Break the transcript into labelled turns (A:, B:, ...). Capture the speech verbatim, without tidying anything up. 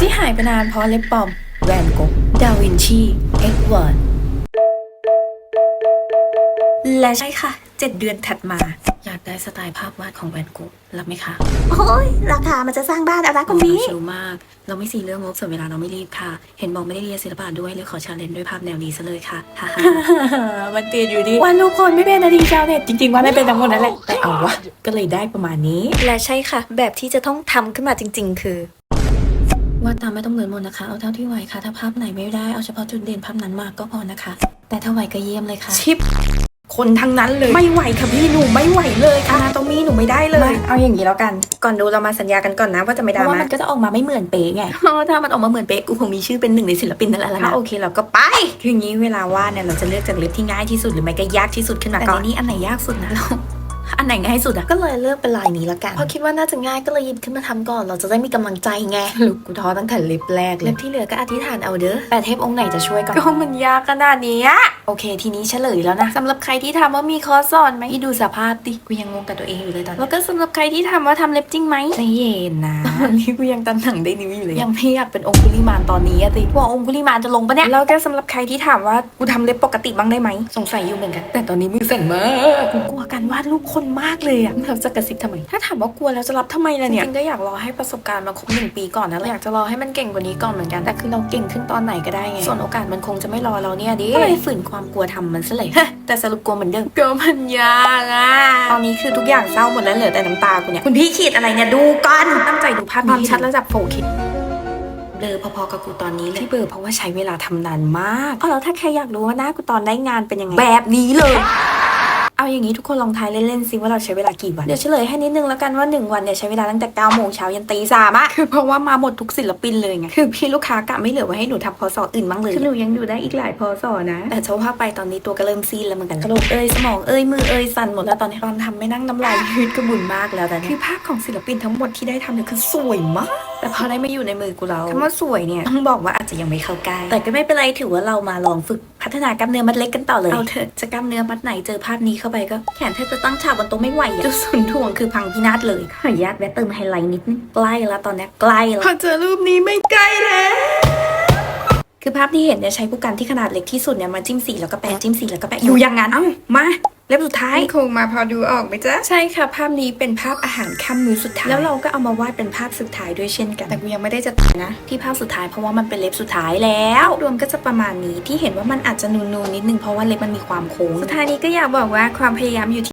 A: ที่หายไปนานเพราะเล็บปลอมแวนโกะดาวินชีเอ็ดเวิร์ดและใช่ค่ะเจ็ดเดือนถัดมาอยากได้สไตล์ภาพวาดของแวนโกะรับไหมคะ
B: โอ้ยราคามันจะสร้างบ้านอะไรคุณพี่
A: ชิลมากเราไม่ซีเรื่องงบส่วนเวลาเราไม่รีบค่ะเห็นบอกไม่ได้เรียนศิลปะด้วยเลยขอชาเลนจ์ด้วยภาพแนวนี้ซะเลยค่ะฮ่าฮ่ามันติดอยู่ดีวันทุกคนไม่เป็นนาทีชาวเน็ตจริงๆว่าไม่เป็นทั้งหมดนั่นแหละแต่เอาวะก็เลยได้ประมาณนี้
B: และใช่ค่ะแบบที่จะต้องทำขึ้นมาจริงๆคือ
A: วาดตามไม่ต้องเหมือนหมดนะคะเอาเท่าที่ไหวค่ะถ้าภาพไหนไม่ได้เอาเฉพาะจุดเด่นภาพนั้นมาก็พอนะคะแต่ถ้าไหวก็เยี่ยมเลยค่ะ
B: ชิปคนทั้งนั้นเลยไม่ไหวค่ะพี่หนูไม่ไหวเลยค่ะตรงนี้หนูไม่ได้เลย
A: เอาอย่างนี้แล้วกัน
B: ก่อนดูเรามาสัญญากันก่อนนะว่าจะไม่ดราม่า
A: ว่ามันก็จะออกมาไม่เหมือนเป๊ะไงถ้ามันออกมาเหมือนเป๊ะกูคงมีชื่อเป็นหนึ่งในศิลปินนั่นแหละ
B: นะโอเคเราก็ไป
A: คืออย่างนี้เวลาวาดเนี่ยเราจะเลือกจากเล็บที่ง่ายที่สุดหรือไม่ก็ยากที่สุดขึ้นมาก่อนแต่นี้อันไหนยากสุดนะเราอันไหนง่ายสุดอะ
B: ก็เลยเลือกเป็นลายนี้ละกัน
A: เพราะคิดว่าน่าจะง่ายก็เลยหยิบขึ้นมาทำก่อนเราจะได้มีกำลังใจไงลูกกูท้อตั้งแต่เล็บแรกเล็บที่เหลือก็อธิษฐานเอาเด้อแต่เทพองค์ไหนจะช่วยก่อน
B: ก็มันยากขนาดนี้
A: โอเคทีนี้เฉลยแล้วนะสำหรับใครที่ทำว่ามีคอร์สสอนไหมที่ดูสภาพดิกูยังงงกับตัวเองอยู่เลยตอนนี้
B: แล้วก็สำหรับใครที่ทำว่าทำเล็บจริงไหม
A: ใจเย็นนะวันนี้กูยังตันหนังได้นิ้วอยู่เลยยังไม่อยากเป็นองคุลิมานตอนนี้อะสิ
B: ว่าองคุลิมานจะลงปะเนี่ยแล้วก็สำหรับใครที่ถามว่ากูทำเล็บปกติบ้างได้ไหม
A: สงสัยอยู่เหมือนกันแต่ตอนนี้มือสั่นมาก
B: กูกลัวการวาดรูปคนมากเลยอะ
A: เราจะกระซิบทำไม
B: ถ้าถามว่ากลัวแล้วจะรับทำไมล่ะเนี่ย
A: จริงๆก็อยากรอให้ประสบการณ์มาครบหนึ่งปีก่อนนะอยากจะรอให้มันเก่งกว่านี้ก่อนเหมือนกันแต่คือเราเก่งขึ้นตอนไหนก็ได้ไงส่วนโอกาสมันคงจะไม่รอเราเนี่ยดิก็เลยฝืนความกลัวทำมันซะเลยแต่สรุปกลัวเหมือนเดิม
B: ก็มันยากอะ
A: ตอนนี้คือทุกอย่างเศร้าหมดแล้วเหลือแต่น้ำตากูเนี่ย
B: คุณพี่ขีดอะไรเนี่ยดูก่อน
A: ตั้งใจดูภาพ
B: ความชัดระดับ โฟร์ เค
A: เบลอพอๆกับกูตอนนี้เลยที่เบลอเพราะว่าใช้เวลาทำนานมาก
B: อ๋อแล้วถ้าใครอยากรู้ว่าหน้ากูตอนได้งานเป็นยังไง
A: แบบนี้เลยเอาอย่างนี้ทุกคนลองทายเล่นๆซิว่าเราใช้เวลากี่วัน
B: เดี๋ยวเฉลยให้นิดนึงแล้วกันว่าหนึ่งวันเนี่ยใช้เวลาตั้งแต่เก้าโมงเช้ายันตีสามอะ
A: คือเพราะว่ามาหมดทุกศิลปินเลยไง
B: คือพี่ลูกค้ากะไม่เหลือไว้ให้หนูทำพอสออื่นบ้างเลย
A: คือหนูยังอยู่ได้อีกหลายพอสอนะแต่เฉพาะไปตอนนี้ตัวก็เริ่มซีดแล้วเหมือนกันกระโหลกเอ้ยสมองเอ้ยมือเอ้ยสั่นหมดแล้วตอนนี้ตอนทำไม่นั่งน้ำลายยืดกระบุนมากแล้วแต่
B: คือภาพของศิลปินทั้งหมดที่ได้ทำเนี่ยคือสวยมาก
A: แต่พอได้มาอยู่ในมือกูเรา
B: คำว่าสวยเนี่ย
A: ต้องบอกว่าอาจจะยังไม่เข้าใกล้
B: แต่ก็ไม่เป็นไรถือว่าเรามาลองฝึกพัฒนากล้ามเนื้อมัดเล็กกันต่อเลย
A: เอาเถอะจะกล้ามเนื้อมัดไหนเจอภาพนี้เข้าไปก็แขนแทบจะตั้งฉากบนโต๊ะไม่ไหวอะ
B: จุดศูนย์ถ่วงคือพังพินาศเลย
A: ขออนุญาตแวะเติมไฮไลท์นิดนึงใกล้แล้วตอนนี้ใกล้แล้ว
B: พอเจอรูปนี้ไม่ใกล้แล้ว
A: คือภาพที่เห็นเนี่ยใช้ผู้กันที่ขนาดเล็กที่สุดเนี่ยมาจิ้มสีแล้วก็แปะจิ้มสีแล้วก็แปะ
B: อยู่อย่างนั้น
A: เอ้ามาเล็บสุดท้าย
B: คงมาพอดูออกไหมจ๊ะ
A: ใช่ค่ะภาพนี้เป็นภาพอาหารค่ำมื้อสุดท้าย
B: แล้วเราก็เอามาวาดเป็นภาพสุดท้ายด้วยเช่นกัน
A: แต่กูยังไม่ได้จะตัดนะที่ภาพสุดท้ายเพราะว่ามันเป็นเล็บสุดท้ายแล้วรวมก็จะประมาณนี้ที่เห็นว่ามันอาจจะนูนๆนิดนึงเพราะว่าเล็บมันมีความโค้ง
B: สุดท้ายนี้ก็อยากบอกว่าความพยายามอยู่